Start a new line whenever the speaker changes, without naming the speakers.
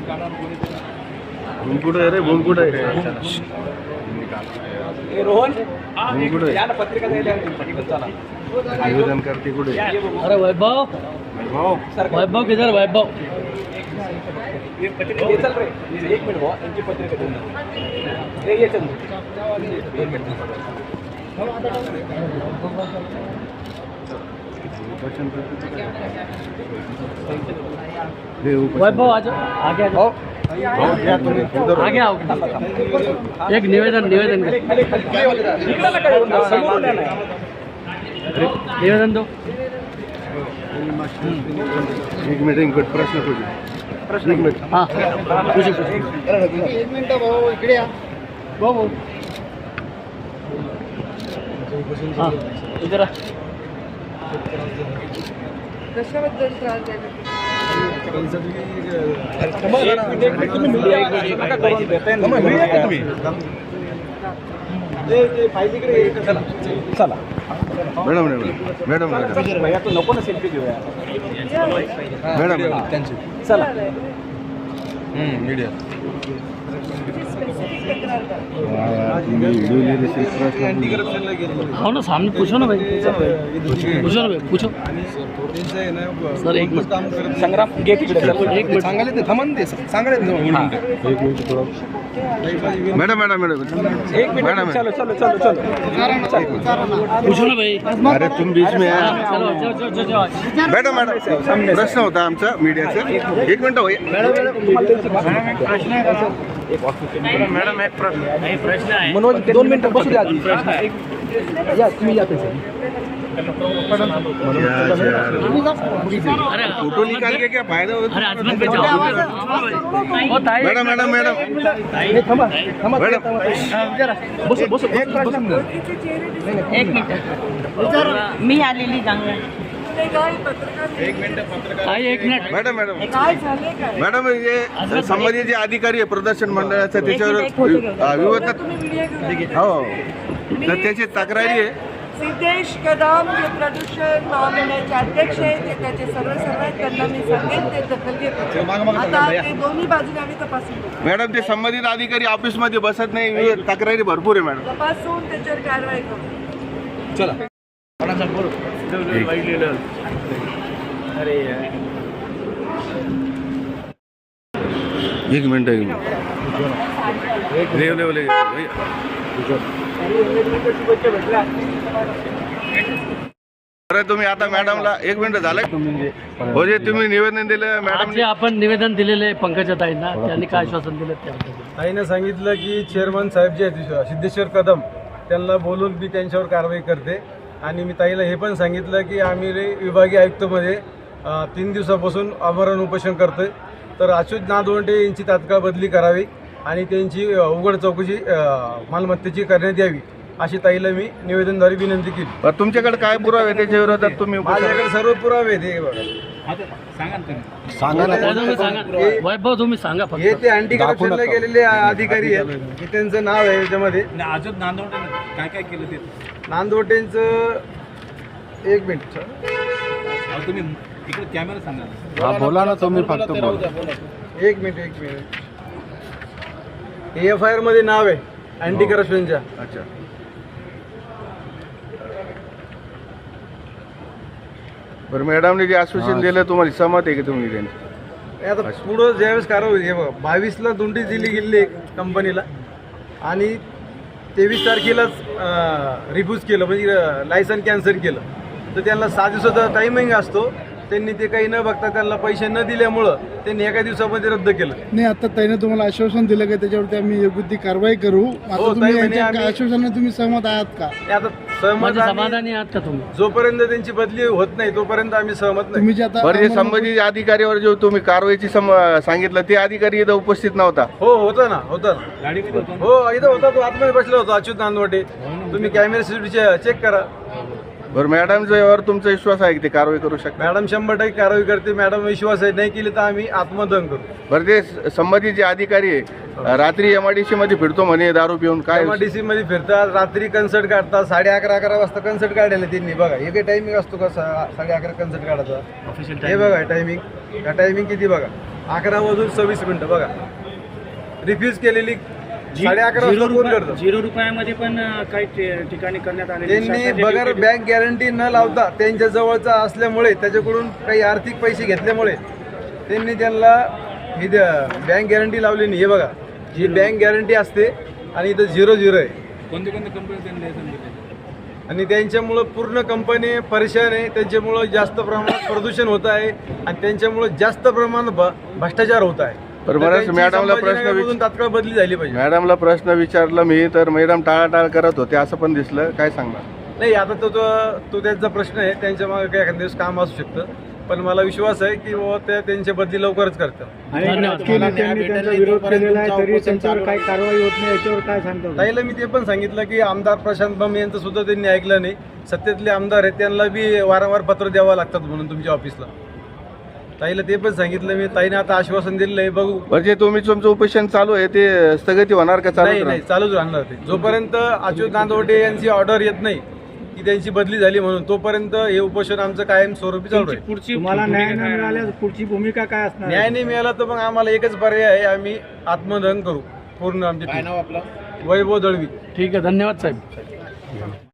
कुठे रे भूम कुठे
रोहन
पत्रिका निवेदन करते कुठे?
अरे वैभव वैभव किधर वैभव
चल रे 1 मिनिट भाऊ यांची पत्रिका देऊन ये चल
वैभव आगे आगे आओ एक निवेदन निवेदन निवेदन दो
एक मिनिट प्रश्न तुझे प्रश्न एक मिनिट
हाँ पूछो
एक मिनिट भाऊ इकडे या
भाऊ हाँ इधर
कशाबद्दल त्रास द्यायला
चला
मॅडम मॅडम
भैया तू नको ना सेल्फी घेऊया
मॅडम
चला
मीडिया
हाँ ना सामने पूछो ना भाई पूछो ना भाई पूछो सर एक मिनट
संग्राम घे तिकडे
एक मिनट
सांगायला ते थांबा ते सांगायला मॅडम मॅडम मॅडम
एक मिनिट चलो चलो चलो चलो
पूछो ना भाई
अरे तुम बीच में आहे
चलो जाओ जाओ जाओ जाओ
मॅडम मॅडम प्रश्न होता आमचा मीडियाचा एक मिनिट होय
मॅडम एक प्रश्न आहे
मनोज 2 मिनिटं बसू द्या आधी. या तुम्ही या पैसे
अरे
फोटो निकाल के क्या फायदा होता
अरे आजमन पे जाओ ओ ताई
मॅडम मॅडम मॅडम
थांबा थांबा
मॅडम
बसू बसू
एक मिनिट
मी आलेली चांगलं
ताई एक मिनिट
मॅडम मॅडम
काय झाले काय
मॅडम हे संबंधित जे अधिकारी आहे प्रदर्शन मंडळाचं त्याच्यावर विरोधात
तुम्ही व्हिडिओ घेऊन
हो तर त्याची तक्रारी आहे
सिद्धेश कदम जे प्रदूषण महामंडळाचे अध्यक्ष आहेत ते त्याचे सर्व आहेत त्यांना मी सांगेन ते दखल घेतो आता ते दोन्ही बाजूने आम्ही तपासून
मॅडम ते संबंधित अधिकारी ऑफिसमध्ये बसत नाही तक्रारी भरपूर आहे मॅडम
तपासून त्याच्यावर कारवाई करू
चला
एक मिनिट अरे तुम्ही आता मॅडमला एक मिनिट झालं हो जे तुम्ही निवेदन दिलं मॅडम
जे आपण निवेदन दिलेले पंकजा ताईंना त्यांनी काय आश्वासन दिलं त्याबद्दल
ताईनं सांगितलं की चेअरमन साहेब जे आहेत सिद्धेश्वर कदम त्यांना बोलून मी त्यांच्यावर कारवाई करते आणि मी ताईला हे पण सांगितलं की आम्ही विभागीय आयुक्तमध्ये 3 दिवसापासून आमरण उपोषण करतोय तर अच्युत नादवंडे यांची तात्काळ बदली करावी आणि त्यांची उघड चौकशी मालमत्तेची करण्यात यावी अशी ताईला मी निवेदनद्वारे विनंती केली.
तुमच्याकडे काय पुरावे त्याच्या विरोधात तुम्ही
माझ्याकडे सर्व पुरावे आहेत हे बघा
वैभव तुम्ही सांगा फक्त
हे ते अँटी करप्शनला गेलेले अधिकारी आहेत हे त्यांचं नाव आहे याच्यामध्ये
अजून नांदवडे काय काय केलं ते
नांदवटेंचं एक मिनिट
तुम्ही इकडे कॅमेरा सांगा
बोला ना तुम्ही फक्त
एक मिनिट AFIR मध्ये नाव आहे अँटी करप्शनच्या.
अच्छा बरं मॅडमने जे आश्वासन दिलं तुम्हाला सहमत आहे की तुम्ही त्यांनी
आता पुढं ज्यावेळेस कारवाई हे बघा 22ला नोटीस दिली गेली कंपनीला आणि 23 तारखेलाच रिफ्यूज केलं म्हणजे लायसन कॅन्सल केलं तर त्यांना 6 दिवसाचा टायमिंग असतो त्यांनी ते काही न बघता त्यांना पैसे न दिल्यामुळं त्यांनी एका दिवसामध्ये रद्द केलं.
नाही आता त्याने तुम्हाला आश्वासन दिलं का त्याच्यावरती आम्ही योग्य ती कारवाई करू आता तुम्ही यांच्या आश्वासनाने तुम्ही सहमत आहात का?
आता सहमत
समाधानी आहात का तुम्ही?
जोपर्यंत त्यांची बदली होत नाही तोपर्यंत आम्ही सहमत नाही.
तुम्ही जे आता
बरं जे संबंधित अधिकाऱ्यावर जो तुम्ही कारवाईची सांगितलं ते अधिकारी इथं उपस्थित नव्हता
हो होता ना हो इथं होता तो आतमध्ये बसला होता अच्युत नांदवटे तुम्ही कॅमेरा सीसीटीव्ही चेक करा.
बरं मॅडमच्या यावर तुमचा विश्वास आहे की ते कारवाई करू शकता?
मॅडम 100% कारवाई करते. मॅडम विश्वास आहे नाही केली तर आम्ही आत्मदहन करू.
बरं ते संबंधित जे अधिकारी आहे रात्री MIDC मध्ये फिरतो म्हणे दारू पिऊन काय
MIDC मध्ये फिरतात रात्री कन्सर्ट काढतात 11:30 वाजता कन्सर्ट काढायला त्यांनी बघा हे काही टायमिंग असतो का 11:30 कन्सर्ट काढायचा हे बघा टायमिंग किती बघा 11:26 बघा. रिफ्यूज केलेली 11:30 वाजता कोण करतं?
0 रुपयामध्ये पण काही ठिकाणी करण्यात आले.
त्यांनी बगर बँक गॅरंटी न लावता त्यांच्या जवळचा असल्यामुळे त्याच्याकडून काही आर्थिक पैसे घेतल्यामुळे त्यांनी त्यांना ही बँक गॅरंटी लावली नाही. हे बघा, ही बँक गॅरंटी असते आणि इथं 0 आहे.
कोणते कंपनी त्यांनी
आणि त्यांच्यामुळं पूर्ण कंपनी परेशान आहे. त्यांच्यामुळं जास्त प्रमाणात प्रदूषण होत आहे आणि त्यांच्यामुळं जास्त प्रमाणात भ्रष्टाचार होत आहे.
बरं,
त्यांची
मॅडमला
संभाजीनगरमधून तात्काळ बदली झाली पाहिजे.
मॅडमला प्रश्न विचारला मी तर मॅडम टाळाटाळ करत होते असं पण दिसलं. काय सांगणार?
नाही, आता तो त्यांचा प्रश्न आहे. त्यांच्या मागे काही एखाद्या दिवस काम असू शकतं, पण मला विश्वास आहे की बाबा ते त्यांची बदली लवकरच करतात. ताईला मी ते पण सांगितलं की आमदार प्रशांत बम यांचं सुद्धा त्यांनी ऐकलं नाही. सत्तेतले आमदार आहेत, त्यांना बी वारंवार पत्र द्यावं लागतात म्हणून तुमच्या ऑफिसला. ताईला ते पण सांगितलं मी. ताईने आता आश्वासन दिलेलं आहे, बघू.
म्हणजे तुमचं उपोषण चालू आहे ते स्थगिती होणार का?
नाही
चालू
नाही, चालूच राहणार ते. जोपर्यंत अच्युत नांदवटे यांची ऑर्डर येत नाही की त्यांची बदली झाली म्हणून, तोपर्यंत हे उपोषण आमचं कायम स्वरूपी चालू आहे.
तुम्हाला न्याय न मिळाल्यास पुढची भूमिका काय असणार?
न्याय नाही मिळाला तर मग आम्हाला एकच पर्याय आहे, आम्ही आत्मदहन करू पूर्ण आमचे.
काय नाव आपलं?
वैभव दळवी.
ठीक आहे, धन्यवाद साहेब.